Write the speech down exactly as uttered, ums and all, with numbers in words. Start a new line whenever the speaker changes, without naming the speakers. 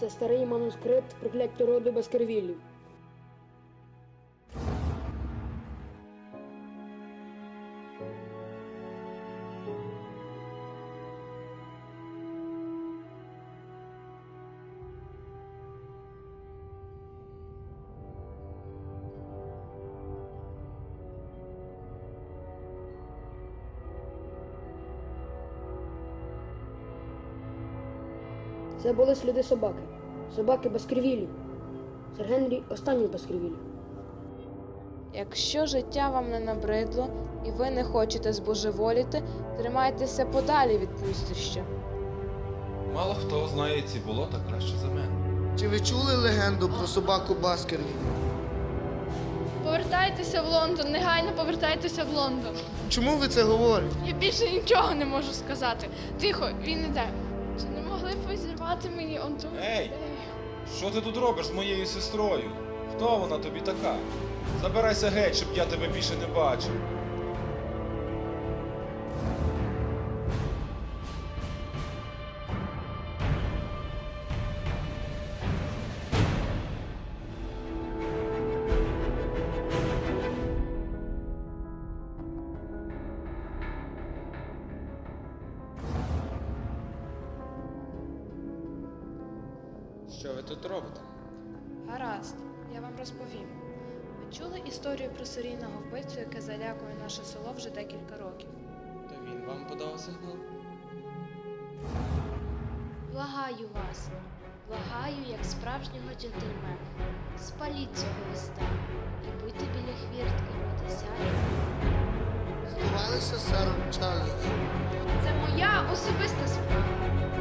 Це старий манускрипт прокляття роду Баскервіллів. Це були сліди собаки. Собаки Баскервіллів. Сер Генрі – останній з Баскервіллів.
Якщо життя вам не набридло і ви не хочете збожеволіти, тримайтеся подалі від пустища.
Мало хто знає ці болота краще за мене.
Чи ви чули легенду про собаку Баскервіль?
Повертайтеся в Лондон, негайно повертайтеся в Лондон.
Чому ви це говорите?
Я більше нічого не можу сказати. Тихо, він іде. Чи не могли б ви зірвати мені он ту?
Ей! Що ти тут робиш з моєю сестрою? Хто вона тобі така? Забирайся геть, щоб я тебе більше не бачив.
Що ви тут робите?
Гаразд, я вам розповім. Ви чули історію про серійного вбивцю, яке залякує наше село вже декілька років?
То він вам подав сигнал?
Благаю вас, благаю, як справжнього джентльмена. Спаліть цього листа і будьте біля хвіртки о десятій.
Здавалися з сером Чарльзом.
Це моя особиста справа.